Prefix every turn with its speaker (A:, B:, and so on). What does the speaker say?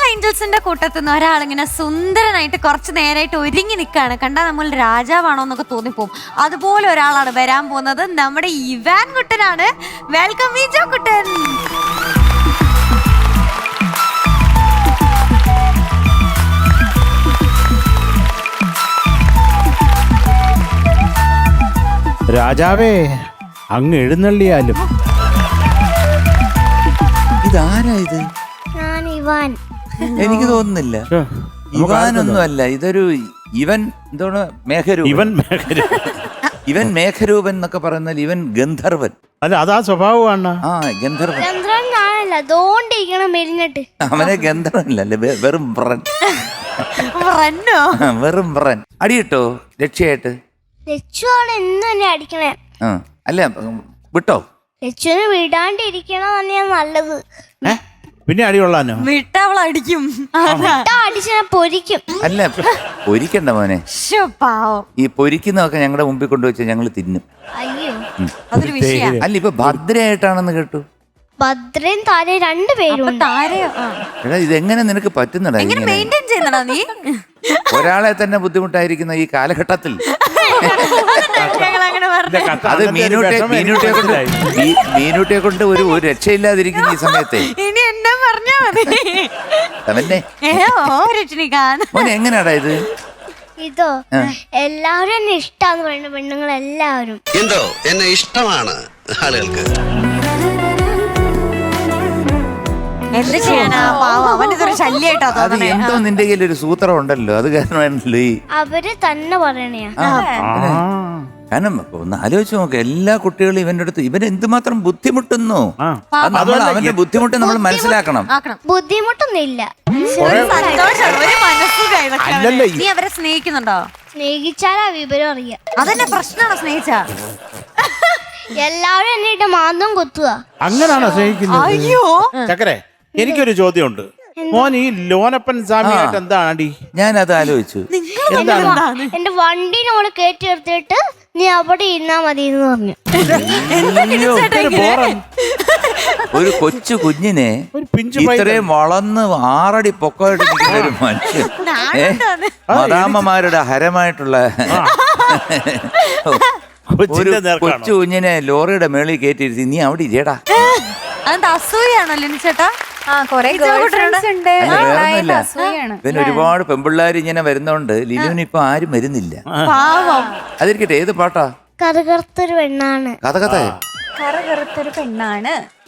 A: ഏഞ്ചൽസിന്റെ കൂട്ടത്തിൽ നിന്ന് ഒരാളിങ്ങനെ സുന്ദരനായിട്ട് കുറച്ച് നേരമായിട്ട് ഒരുങ്ങി നിൽക്കുകയാണ്. കണ്ടാൽ നമ്മൾ രാജാവാണോ എന്നൊക്കെ തോന്നിപ്പോവും. അതുപോലെ ഒരാളാണ് വരാൻ പോകുന്നത്. നമ്മുടെ ഇവാൻ കുട്ടനാണ്. വെൽക്കം വിജോ കുട്ടൻ.
B: രാജാവേ, അങ്ങ് എഴുന്നള്ളിയാലും.
C: ഇതാരാ ഇത്?
D: ഞാൻ ഇവാൻ.
C: എനിക്ക് തോന്നുന്നില്ല ഇവാനൊന്നും അല്ല. ഇതൊരു ഇവൻ എന്താണ് മേഘരൂപൻ. ഇവൻ മേഘരൂപൻ എന്നൊക്കെ പറയുന്നാൽ ഇവൻ ഗന്ധർവൻ.
B: അല്ല, അതാ സ്വഭാവമാണ്.
C: ആ, ഗന്ധർവൻ.
D: ചന്ദ്രൻ ഞാനല്ല, ദോണ്ടിരിക്കണം മെലിഞ്ഞിട്ട്.
C: അവനെ ഗന്ധർവനല്ലേ, വെറും ബ്രൻ. വെറും ബ്രൻ. അടിയിട്ടോ രക്ഷയായിട്ട്?
D: ലച്ചുവാണ് എന്നും എന്നെ അടിക്കണേ.
C: അല്ല, വിട്ടോ?
D: ലച്ചുവിന് വിടാണ്ടിരിക്കണം തന്നെയാണ് നല്ലത്.
B: പിന്നെ അടികൊള്ളാനോ?
A: വിട്ടവളടിക്കും.
D: അടിച്ച പൊരിക്കും.
C: അല്ല, പൊരിക്കണ്ട മോനെ. ഈ പൊരിക്കുന്നതൊക്കെ ഞങ്ങളുടെ മുമ്പിൽ കൊണ്ടുവച്ചാൽ ഞങ്ങൾ തിന്നും.
D: അയ്യോ,
A: അതൊരു വിഷയം.
C: അല്ല, ഇപ്പൊ ഭദ്രയായിട്ടാണെന്ന് കേട്ടു.
D: ഭദ്രയും താരയും രണ്ടുപേരും.
C: എടാ, ഇതെങ്ങനെ നിനക്ക് പറ്റുന്നടാ?
A: നീ
C: ഒരാളെ തന്നെ ബുദ്ധിമുട്ടായിരിക്കുന്ന ഈ കാലഘട്ടത്തിൽ അത് മീനൂട്ടിയെ കൊണ്ട് ഒരു രക്ഷയില്ലാതിരിക്കുന്ന ഈ സമയത്തെ
A: ഇനി എന്നെ പറഞ്ഞാ മതി.
C: മോനെ, എങ്ങനെയാടാ ഇത്?
D: ഇതോ എല്ലാവരും എന്നെ ഇഷ്ടാന്ന് പറയുന്ന പെണ്ണുങ്ങൾ എല്ലാവരും.
E: എന്തോ എന്നെ ഇഷ്ടമാണ് ആളുകൾക്ക്.
A: എന്ത് ചെയ്യാനാ, അവനിതൊരു ശല്യായിട്ടാ
C: അത്
A: തോന്നുന്നേ.
C: എന്തോ നിന്റെ കയ്യിൽ ഒരു സൂത്രം ഉണ്ടല്ലോ, അത് കാരണമാണല്ലോ ഈ.
D: അവര് തന്നെ പറയണയാ.
C: കാരണം ഒന്ന് ആലോചിച്ച് നോക്ക്, എല്ലാ കുട്ടികളും ഇവന്റെ അടുത്ത് ഇവൻ എന്തുമാത്രം ബുദ്ധിമുട്ടുന്നു. അവന്റെ ബുദ്ധിമുട്ട് നമ്മൾ മനസ്സിലാക്കണം.
D: ബുദ്ധിമുട്ടൊന്നുമില്ല.
A: നീ അവരെ സ്നേഹിക്കുന്നുണ്ടോ?
D: സ്നേഹിച്ചാലാ വിവരം അറിയാം.
A: അതന്നെ പ്രശ്നമാണോ? സ്നേഹിച്ചാ
D: എല്ലാവരും എന്നെ ഇട്ട് മാന്തം കൊത്തുക.
B: അങ്ങനാണോ സ്നേഹിക്കുന്നത്?
A: അയ്യോ
B: ചക്കരെ, എനിക്കൊരു ചോദ്യമുണ്ട്. മോൻ ഈ ലോനപ്പൻ സ്വാമിയായിട്ട് എന്താണ് അടി?
C: ഞാനത് ആലോചിച്ചു.
D: എന്റെ വണ്ടിനോട് കയറ്റി എടുത്തിട്ട് നീ അവിടെ ഇരുന്നാ മതി എന്ന് പറഞ്ഞു.
C: ഒരു കൊച്ചു കുഞ്ഞിനെ ഇത്രയും വളർന്ന് 6 അടി പൊക്കമായിട്ട് നിൽക്കുന്ന ഒരു മനുഷ്യൻ, മദാമ്മമാരുടെ ഹരമായിട്ടുള്ള ഒരു കൊച്ചു കുഞ്ഞിനെ ലോറിയുടെ മേളിൽ കയറ്റിയിരുത്തി നീ അവിടെ ഇരിയടാ.
A: അതെന്താ, അസൂയാണല്ലോ ചേട്ടാ?
C: പിന്നെ ഒരുപാട് പെമ്പിള്ളാര് ഇങ്ങനെ വരുന്നോണ്ട് ലിനുവിന് ഇപ്പൊ ആരും വരുന്നില്ല. അതിരിക്കട്ടെ, ഏത് പാട്ടാ?
D: കറുകറുത്തൊരു പെണ്ണാണ്.
C: കഥ
A: കറുകറുത്തൊരു പെണ്ണാണ്.